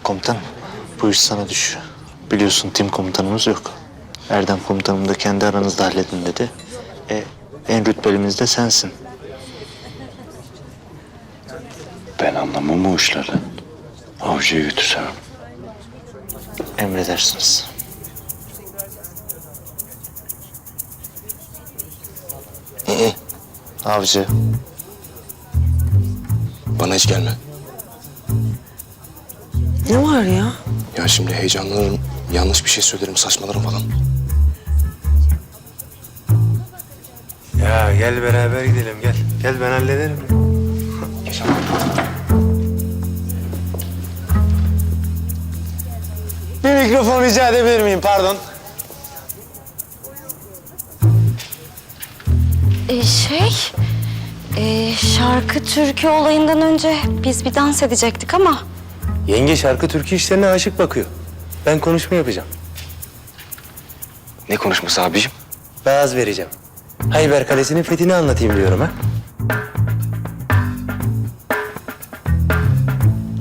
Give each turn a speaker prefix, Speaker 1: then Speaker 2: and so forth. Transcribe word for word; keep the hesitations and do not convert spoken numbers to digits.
Speaker 1: Komutanım, bu iş sana düşüyor. Biliyorsun tim komutanımız yok. Erdem komutanım da kendi aranızda halledin dedi. E, en rütbelimiz de sensin.
Speaker 2: Ben anlamam o işlerden. Avcıya götürsem.
Speaker 1: Emredersiniz.
Speaker 3: Hı.
Speaker 1: Avcı.
Speaker 3: Bana hiç gelme.
Speaker 4: Ne var ya?
Speaker 3: Ya şimdi heyecanlanırım, yanlış bir şey söylerim, saçmalarım falan.
Speaker 5: Ya gel beraber gidelim gel. Gel ben hallederim. Bir mikrofon rica edebilir miyim? Pardon.
Speaker 6: Ee, şey, e, şarkı türkü olayından önce biz bir dans edecektik ama...
Speaker 5: Yenge şarkı türkü işlerine aşık bakıyor. Ben konuşma yapacağım.
Speaker 3: Ne konuşması abicim?
Speaker 5: Vaaz vereceğim. Hayber Kalesi'nin fethini anlatayım diyorum ha.